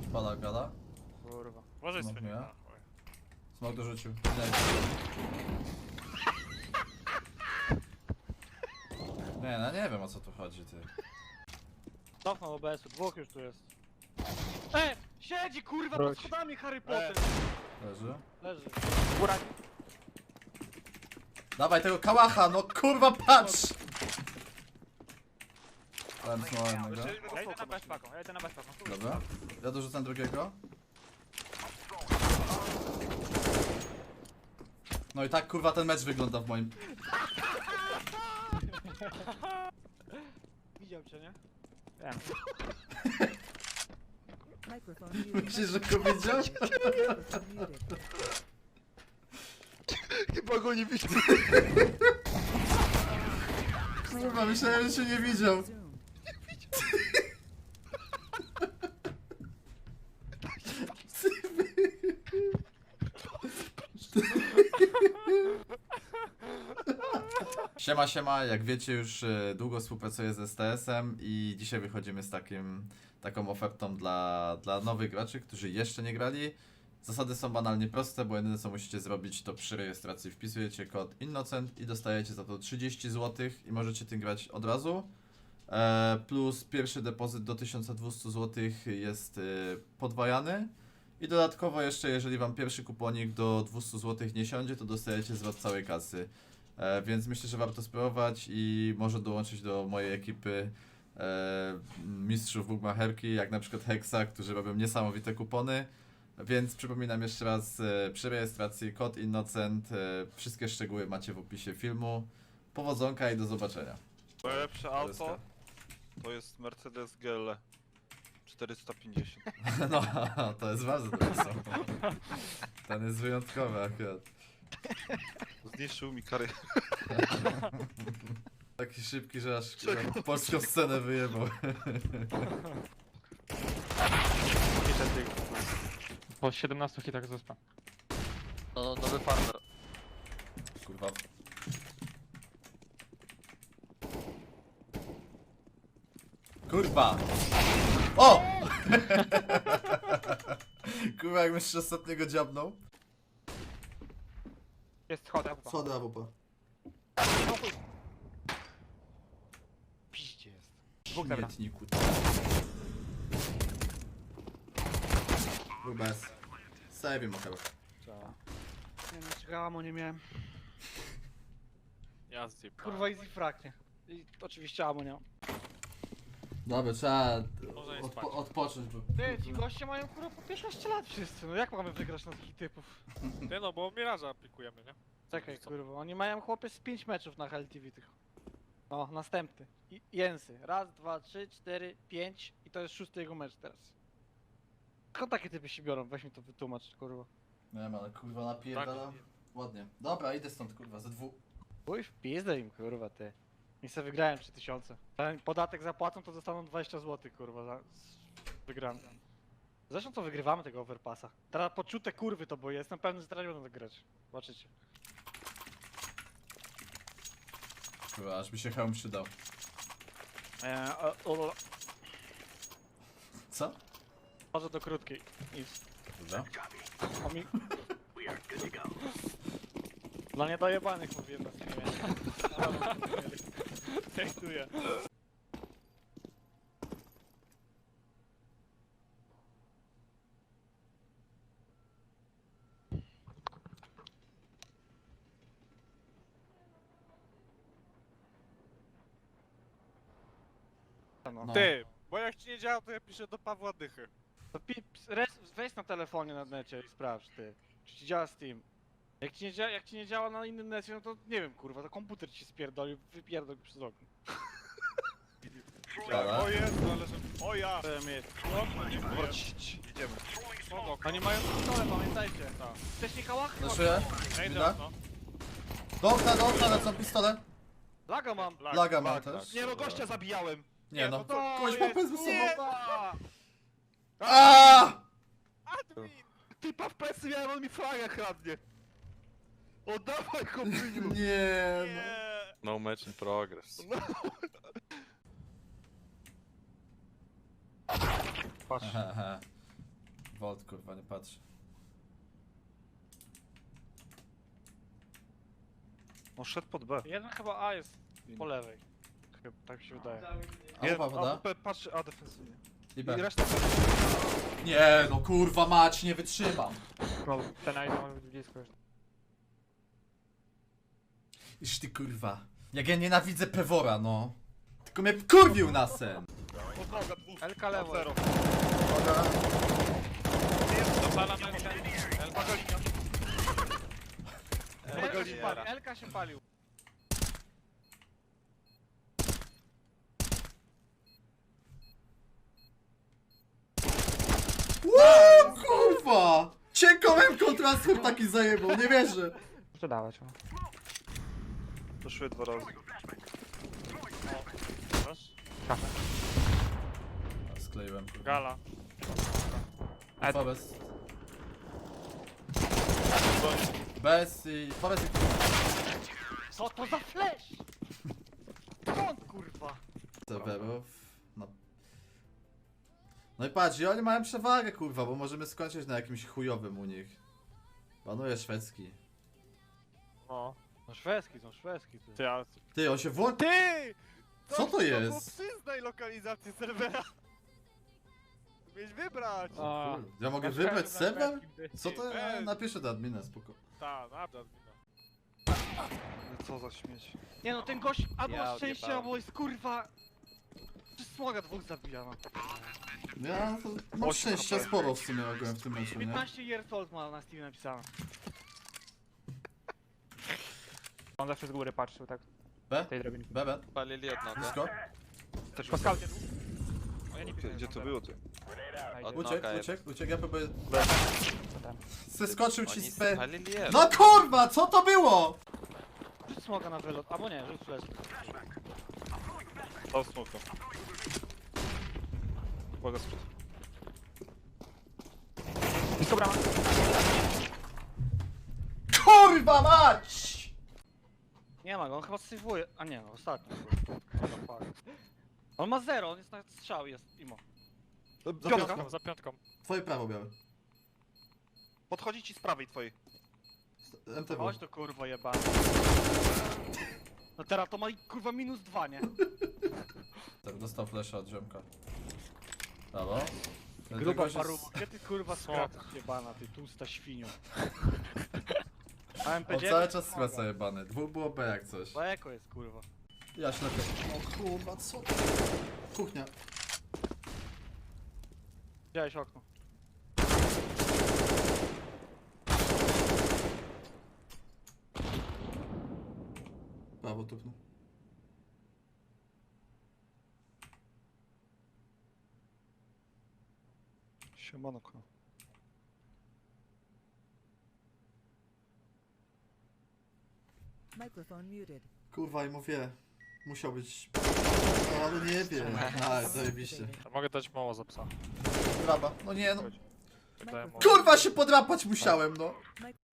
Pada gada. Kurwa. Uważaj Smok sobie. miał? Na chuj. Smok dorzucił. Nie, no nie wiem o co tu chodzi, ty. Cofnął OBS-u, dwóch już tu jest. Siedzi kurwa Wróć. pod schodami Harry Potter! Leży. Leży. Góra. Dawaj tego kałacha, no kurwa patrz! Dałem smoła jednego. Ja idę na bezpaką, ja idę na bezpaką. Dobra. Ja dorzucam drugiego. No i tak kurwa ten mecz wygląda w moim... Widział cię, nie? Wiem. Microphone muted. Myślisz, że go widział? Microphone muted. Chyba go nie widzę. Kurwa, myślałem, że się nie widział. Zoom. Siema, siema, jak wiecie już długo współpracuję z STS-em i dzisiaj wychodzimy z taką ofertą dla nowych graczy, którzy jeszcze nie grali. Zasady są banalnie proste, bo jedyne co musicie zrobić to przy rejestracji wpisujecie kod Innocent i dostajecie za to 30 zł i możecie tym grać od razu. Plus pierwszy depozyt do 1200 zł jest podwajany. I dodatkowo jeszcze, jeżeli wam pierwszy kuponik do 200 zł nie siądzie, to dostajecie zwrot całej kasy. Więc myślę, że warto spróbować i może dołączyć do mojej ekipy mistrzów Bugmacherki, jak na przykład Hexa, którzy robią niesamowite kupony. Więc przypominam jeszcze raz, przy rejestracji kod Innocent, wszystkie szczegóły macie w opisie filmu. Powodzonka i do zobaczenia. Najlepsze auto to jest Mercedes GL 450. No, to jest bardzo dobry samochód. Ten jest wyjątkowy akurat. Zniszczył mi karierę. Taki szybki, że aż kurwa, polską scenę wyjebał. Po 17 hitach zespa. No, nowy farmer. Kurwa. Kurwa! O! Kurwa, jak jeszcze ostatniego dziabnął. Jest schoda. Schody AWP. Piździe jest. Dwóch dobra. Śmietniku. Był bez. Save mu chyba. Nie no, czekałam, nie miałem. Ja zjeb. Kurwa easy frag, nie? I oczywiście amo nie mam. Dobra, trzeba Można nie spać. odpocząć, bo... Ty, ci goście mają kurwa po 15 lat wszyscy, no jak mamy wygrać na takich typów? Nie no, bo Miraża aplikujemy, nie? Czekaj kurwa, oni mają chłopie z 5 meczów na HLTV tych. O, następny. Jensy. Raz, dwa, trzy, cztery, 5 i to jest 6 jego mecz teraz. Skąd takie typy się biorą? Weź mi to wytłumacz, kurwa. Nie wiem, ale kurwa napierdalam. Ładnie. Dobra, idę stąd kurwa, ze dwóch. Uj, w pizdę im kurwa ty. I se wygrałem 3000. Ten podatek zapłacą, to dostaną 20 zł kurwa za wygrany. Zresztą to wygrywamy tego overpassa. Teraz poczute kurwy to, bo jestem pewny, że teraz nie będą grać. Zobaczycie. Kurwa, aż mi się hełm przydał. Co? Może do krótkiej. Nic. Dobra. O mi... Dla niedojebanych mówiłem na streamie. Tekstuję. No. Ty, bo jak ci nie działa, to ja piszę do Pawła Dychy. To weź na telefonie na necie i sprawdź ty. Czy ci działa Steam. Jak ci nie działa na innym necie, no to nie wiem kurwa, to komputer ci spierdolił, wypierdol go przez okno. Dobra. O Jezu, ale że... O ja! Idziemy. Spoko. Oni mają pistole, pamiętajcie. Wcześniej kałachy. Zaszuję? Ja idę Mida? no. Do okna lecą pistole. Laga mam. Laga ma też. Nie no, gościa zabijałem. Nie no. to Kogoś jest- popędz ze sobą. Nie! Aaaa! Admin! Typa w plecy miałem, on mi flagę kradnie. Oddawaj kombiniu. Nie no. Nie! No match in progress. Patrz. Aha. Volt, kurwa, nie patrz. On szedł pod B. Jeden chyba A jest po lewej. Chyba, tak mi się wydaje. A upa woda? B patrzy A defensywnie. I I B. reszta Nie, no kurwa mać, nie wytrzymam. Ten item może być blisko już. Iż ty kurwa. Jak ja nienawidzę Pewora, no. Tylko mnie kurwił na sen. podnoga dwóch. Elka lewo. Zero. Dopalam Elkę. Elka się palił. Elka się palił. Ło, kurwa! Cienkołem kontrastem taki zajebał, nie wierzę. Muszę dawać, o. Poszły 2 razy. Skleiłem. Gala. Chyba bez. Bez i... Powiedz i... Co to za flash? Skąd kurwa? serwerów. No i patrz, i oni mają przewagę, kurwa, bo możemy skończyć na jakimś chujowym u nich. Panuje szwedzki. No. No szwedzki, są szwedzki. Ty. Ty, ale... Ty, on się włączy. Ty! Co to jest? Przyznaj lokalizację serwera. Mieć wybrać. Ja mogę wybrać serwer? Co to? Ja napiszę do admina, spoko. Ta, nada wina. Co za śmieć. Nie no, ten gość albo Ja ma szczęście, odjebałem. albo jest kurwa... Przez smoga dwóch zabija, no. Ja to mam szczęścia sporo w sumie ogółem w tym meczu, nie? 15 years old ma na Steam napisane. On zawsze z góry patrzył, tak? B? Tej drabinki. B? Palili jednego. Blisko? Też Po skaucie. O, ja nie Gdzie, pisałem, gdzie że to on było ty? zero. Uciekł, ja próbuję... Co tam? Zeskoczył ci Oni z B. spalili jeden. No kurwa, co to było? Rzuć smoga na wylot, albo nie, rzuć flash. O, smoka. Uwaga, sprzed. Blisko brama. Kurwa mać! Nie ma go, on chyba sejwuje. A nie, no ostatni. kurwa. On ma 0, on jest na strzał, jest imo. Za piątką. Za piątką. Twoje prawo białe. Podchodzi ci z prawej twojej. MTW. Chodź to kurwa jebany. No teraz to ma kurwa -2, nie? Tak, dostał flasha od ziomka. Brawo. Gruba Tego się paruwa. Gdzie ty kurwa skracasz jebana, ty tłusta świnio. A On MP9 cały czas skłaca jebany. Dwóch było B jak coś. Bo eko jest kurwa. Ja ślepy. O kurwa, co to? Kuchnia. Widziałeś okno. Prawo tupnął. Siemanko. Microphone muted. Kurwa i mówię. Musiał być... No ale nie wiem. A, zajebiście. A mogę dać mało za psa. Draba. No nie no. Dałem mało. Kurwa się podrapać musiałem no.